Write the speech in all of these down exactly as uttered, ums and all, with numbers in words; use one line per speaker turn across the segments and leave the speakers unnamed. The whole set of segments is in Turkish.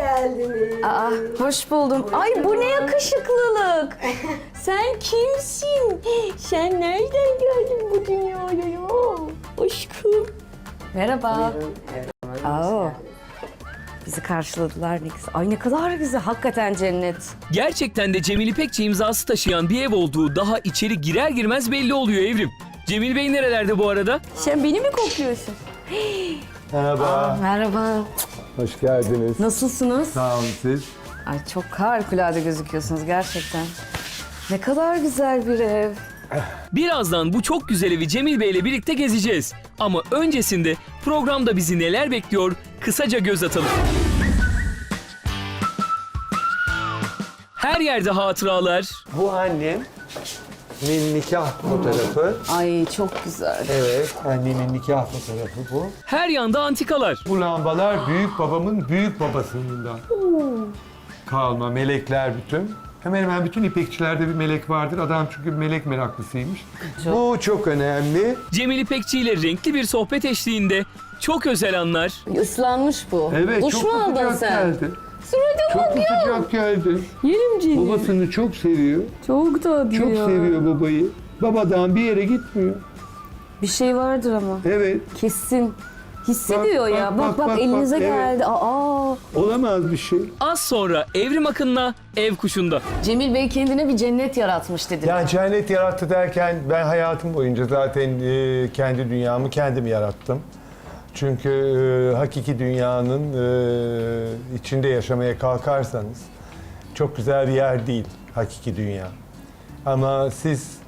geldiniz.
Aa, hoş buldum. Ay bu ne yakışıklılık. Sen kimsin? Sen nereden geldin bu dünyaya ya? Aşkım. Merhaba.
Buyurun, her zaman hoş
Aa.
geldiniz.
Bizi karşıladılar ne güzel. Ay ne kadar güzel. Hakikaten cennet.
Gerçekten de Cemil İpekçi imzası taşıyan bir ev olduğu daha içeri girer girmez belli oluyor Evrim. Cemil Bey nerelerde bu arada?
Sen beni mi kokluyorsun?
Merhaba,
Merhaba.
hoş geldiniz.
Nasılsınız?
Sağ olun siz.
Ay çok harikulade gözüküyorsunuz gerçekten. Ne kadar güzel bir ev.
Birazdan bu çok güzel evi Cemil Bey ile birlikte gezeceğiz. Ama öncesinde programda bizi neler bekliyor kısaca göz atalım. Her yerde hatıralar,
Bu annem. Annemin nikah fotoğrafı.
Ay çok güzel.
Evet, annemin nikah fotoğrafı bu.
her yanda antikalar.
Bu lambalar büyük babamın büyük babasından kalma, melekler bütün. Hemen hemen bütün ipekçilerde bir melek vardır. Adam çünkü melek meraklısıymış. Bu çok önemli.
Cemil İpekçi ile renkli bir sohbet eşliğinde çok özel anlar.
Islanmış bu.
Evet,
Duş
çok
mu
da
aldın
sıcak
sen?
geldi.
Surata
Çok
bak
da
ya.
sıcak geldi.
Yerim Cemil.
Babasını çok seviyor.
Çok tatlı
Çok
ya.
seviyor babayı. Babadan bir yere gitmiyor.
Bir şey vardır ama.
Evet.
Kesin. Hissediyor
Bak,
ya.
bak,
Bak bak,
bak, bak,
elinize
bak, evet.
geldi. Aa.
Olamaz bir şey.
Az sonra Evrim Akın'la Ev Kuşu'nda.
Cemil Bey kendine bir cennet yaratmış dedi.
Yani cennet yarattı derken ben hayatım boyunca zaten e, kendi dünyamı kendim yarattım. Çünkü e, hakiki dünyanın e, içinde yaşamaya kalkarsanız çok güzel bir yer değil hakiki dünya. Ama siz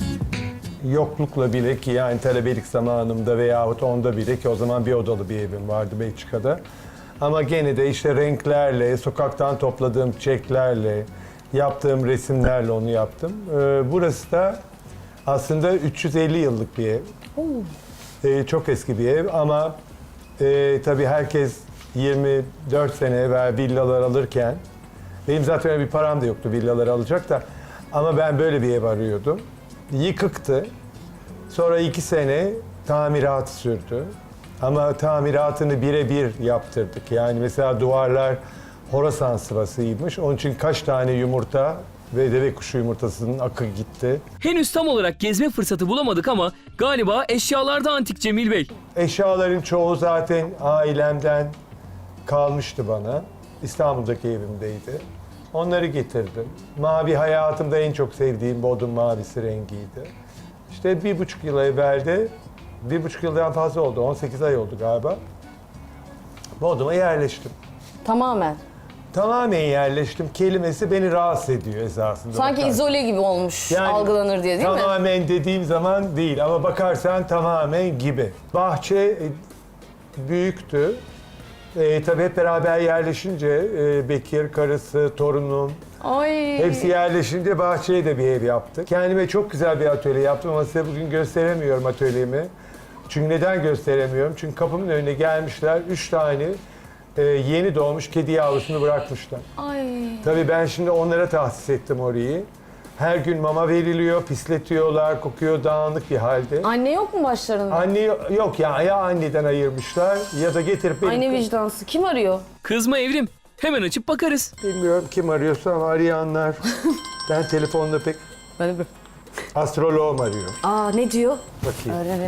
yoklukla bile ki yani talebelik zamanımda veyahut onda bile ki o zaman bir odalı bir evim vardı Belçika'da. Ama gene de işte renklerle, sokaktan topladığım çiçeklerle, yaptığım resimlerle onu yaptım. Ee, burası da aslında üç yüz elli yıllık bir ev. Ee, çok eski bir ev ama e, tabii herkes yirmi dört sene evvel villalar alırken benim zaten öyle bir param da yoktu villaları alacak da ama ben böyle bir ev arıyordum. Yıkıktı. Sonra iki sene tamirat sürdü. Ama tamiratını birebir yaptırdık. Yani mesela duvarlar Horasan sıvasıymış. Onun için kaç tane yumurta ve deve kuşu yumurtasının akı gitti.
Henüz tam olarak gezme fırsatı bulamadık ama galiba eşyalarda antik Cemil Bey.
Eşyaların çoğu zaten ailemden kalmıştı bana. İstanbul'daki evimdeydi. Onları getirdim. Mavi hayatımda en çok sevdiğim bodrum mavisi rengiydi. İşte bir buçuk yıl evvel de, bir buçuk yıldan fazla oldu, on sekiz ay oldu galiba. Bodrum'a yerleştim.
Tamamen.
Tamamen yerleştim kelimesi beni rahatsız ediyor esasında.
Sanki
bakarsan.
izole gibi olmuş,
Yani
algılanır diye değil mi?
Tamamen dediğim zaman değil ama bakarsan tamamen gibi. Bahçe e, büyüktü. E, tabii hep beraber yerleşince e, Bekir, karısı, torunum
Ay.
hepsi yerleşince bahçeye de bir ev yaptık. Kendime çok güzel bir atölye yaptım ama size bugün gösteremiyorum atölyemi. Çünkü neden gösteremiyorum? Çünkü kapımın önüne gelmişler üç tane e, yeni doğmuş kedi yavrusunu bırakmışlar.
Ay.
Tabii ben şimdi onlara tahsis ettim orayı. Her gün mama veriliyor, pisletiyorlar, kokuyor dağınık bir halde.
Anne yok mu başlarında?
Anne yok ya, ya anneden ayırmışlar ya da getirip benim...
Anne vicdansız. Kim arıyor?
Kızma Evrim. Hemen açıp bakarız.
Bilmiyorum kim arıyorsa ama arayanlar. Ben telefonda pek
Böyle bir.
astroloğum arıyor.
Aa ne diyor?
Bakayım.
Öğrenelim.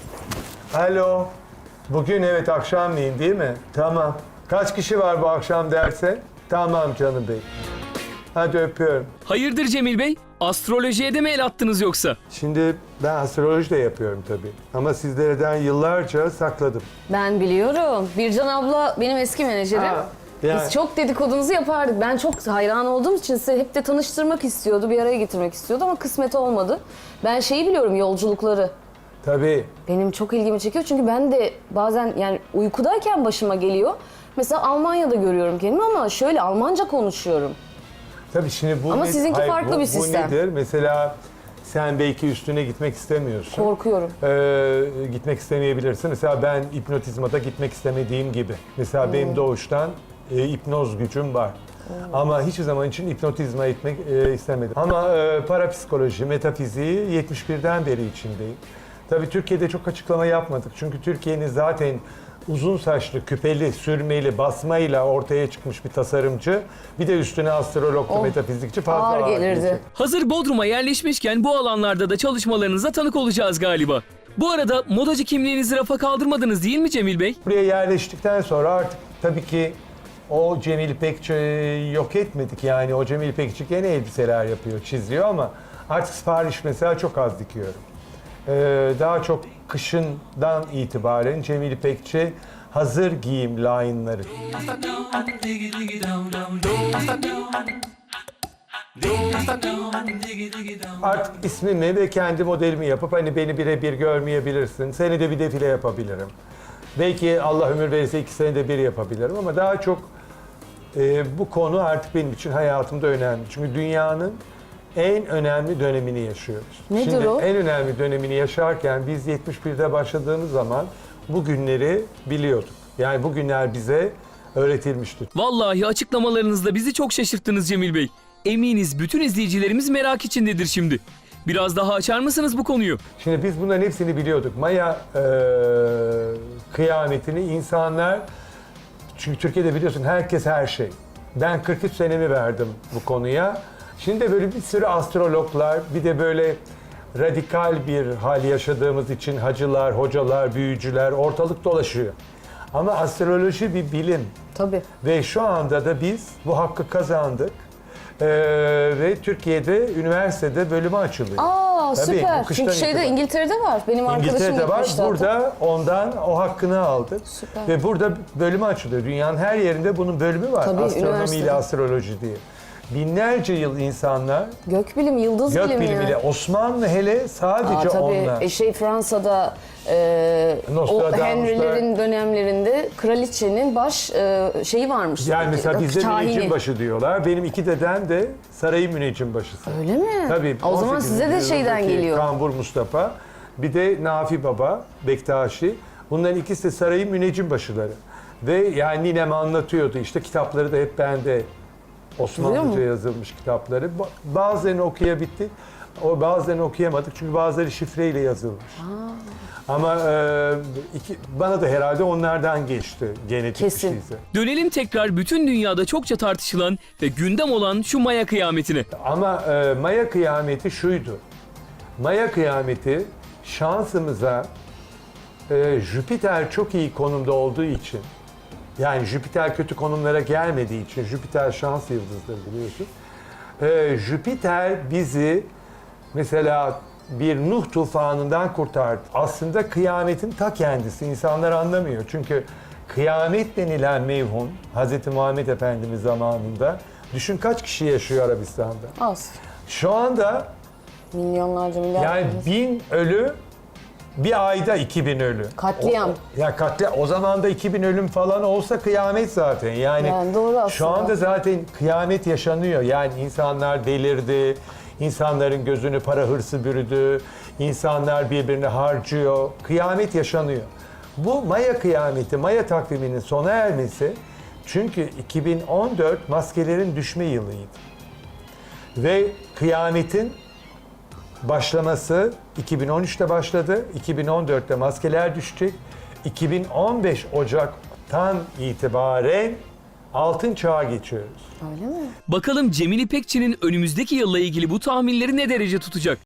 Alo. Bugün evet akşamleyin değil mi? Tamam. Kaç kişi var bu akşam derse? Tamam canım bey. Hadi öpüyorum.
Hayırdır Cemil Bey? Astrolojiye de mi el attınız yoksa?
Şimdi ben astroloji de yapıyorum tabii. Ama sizlerden yıllarca sakladım.
Ben biliyorum. Bircan abla benim eski menajerim.
Ha, yani-
Biz çok dedikodunuzu yapardık. Ben çok hayran olduğum için size hep de tanıştırmak istiyordu. Bir araya getirmek istiyordu ama kısmet olmadı. Ben şeyi biliyorum, yolculukları.
Tabii.
Benim çok ilgimi çekiyor çünkü ben de bazen yani uykudayken başıma geliyor. Mesela Almanya'da görüyorum kendimi ama şöyle Almanca konuşuyorum.
Tabii şimdi bu...
Ama
ne-
sizinki farklı
bu,
bir sistem.
Bu nedir? Mesela sen belki üstüne gitmek istemiyorsun.
Korkuyorum.
Ee, gitmek istemeyebilirsin. Mesela ben hipnotizmada gitmek istemediğim gibi. Mesela benim doğuştan e, hipnoz gücüm var. Ama hiçbir zaman için hipnotizma etmek e, istemedim. Ama e, parapsikoloji, metafiziği yetmiş birden beri içindeyim. Tabii Türkiye'de çok açıklama yapmadık. Çünkü Türkiye'nin zaten uzun saçlı, küpeli, sürmeli, basmayla ortaya çıkmış bir tasarımcı. Bir de üstüne astrolog,
Oh,
metafizikçi fazla
ağır
ağır
gelirdi.
gelecek.
Hazır Bodrum'a yerleşmişken bu alanlarda da çalışmalarınıza tanık olacağız galiba. Bu arada modacı kimliğinizi rafa kaldırmadınız değil mi Cemil Bey?
Buraya yerleştikten sonra artık tabii ki o Cemil İpekçi'yi yok etmedik. Yani o Cemil İpekçi gene elbiseler yapıyor, çiziyor ama artık sipariş mesela çok az dikiyorum. Ee, daha çok kışından itibaren Cemil İpekçi hazır giyim line'ları. Artık ismimi ve kendi modelimi yapıp hani beni birebir görmeyebilirsin. Senede bir defile yapabilirim. Belki Allah ömür verirse iki senede bir yapabilirim ama daha çok e, bu konu artık benim için hayatımda önemli. Çünkü dünyanın en önemli dönemini yaşıyoruz.
Nedir
Şimdi
o?
en önemli dönemini yaşarken biz yetmiş birde başladığımız zaman bu günleri biliyorduk. Yani bu günler bize öğretilmişti.
Vallahi açıklamalarınızla bizi çok şaşırttınız Cemil Bey. Eminiz bütün izleyicilerimiz merak içindedir şimdi. Biraz daha açar mısınız bu konuyu?
Şimdi biz bunların hepsini biliyorduk. Maya e, kıyametini insanlar, çünkü Türkiye'de biliyorsun herkes her şey. Ben kırk üç senemi verdim bu konuya. Şimdi de böyle bir sürü astrologlar, bir de böyle radikal bir hal yaşadığımız için hacılar, hocalar, büyücüler ortalık dolaşıyor. Ama astroloji bir bilim.
Tabii.
Ve şu anda da biz bu hakkı kazandık. Ee, ve Türkiye'de üniversitede bölümü açılıyor.
Aa
Tabii,
süper.
bu kıştan
Çünkü şeyde
itibaren.
İngiltere'de var. Benim arkadaşım
İngiltere'de var.
gitmişti hatta.
Burada ondan o hakkını aldık.
Süper.
Ve burada bölümü açılıyor. Dünyanın her yerinde bunun bölümü var.
Tabii,
Astronomi
üniversitede.
ile astroloji diye. Binlerce yıl insanlar
Gökbilim, yıldız
gök
bilimi.
bilimiyle, Osmanlı hele sadece
Aa, tabii.
onunla.
E, şey Fransa'da e, o
Nostradamus'lar.
Henry'lerin dönemlerinde kraliçenin baş e, şeyi varmış.
Yani mesela bizde
Kahini.
müneccimbaşı diyorlar. Benim iki dedem de sarayın müneccimbaşısı.
Öyle mi?
Tabii.
O zaman
on sekizinci
size de şeyden
yüzyıldaki
geliyor.
Kambur Mustafa. Bir de Nafi Baba, Bektaşi. Bunların ikisi de sarayın müneccimbaşıları. Ve yani ninem anlatıyordu. İşte kitapları da hep bende.
Biliyor
Osmanlıca
musun?
yazılmış kitapları. Ba- Bazılarını okuyabildik. O bazılarını okuyamadık çünkü bazıları şifreyle yazılmış. Ama e, iki, bana da herhalde onlardan geçti genetik
Kesin.
bir şeyse.
Dönelim tekrar bütün dünyada çokça tartışılan ve gündem olan şu Maya kıyametine.
Ama e, Maya kıyameti şuydu. Maya kıyameti şansımıza e, Jüpiter çok iyi konumda olduğu için, yani Jüpiter kötü konumlara gelmediği için, Jüpiter şans yıldızıdır biliyorsun. E, Jüpiter bizi mesela bir Nuh tufanından kurtardı. Aslında kıyametin ta kendisi. İnsanlar anlamıyor. Çünkü kıyamet denilen mevhum Hz. Muhammed Efendimiz zamanında, düşün kaç kişi yaşıyor Arabistan'da.
Az.
Şu anda
Milyonlarca milyar.
yani bin ölü, bir ayda iki bin ölü.
Katliam.
O, ya katliam. O zaman da iki bin ölüm falan olsa kıyamet zaten. Yani,
Yani doğru aslında.
şu anda zaten kıyamet yaşanıyor. Yani insanlar delirdi. İnsanların gözünü para hırsı bürüdü. İnsanlar birbirini harcıyor. Kıyamet yaşanıyor. Bu Maya kıyameti, Maya takviminin sona ermesi, çünkü iki bin on dört maskelerin düşme yılıydı. Ve kıyametin başlaması iki bin on üçte başladı. iki bin on dörtte maskeler düşecek. iki bin on beş Ocak'tan itibaren altın çağa geçiyoruz.
Öyle mi?
Bakalım Cemil İpekçi'nin önümüzdeki yılla ilgili bu tahminleri ne derece tutacak?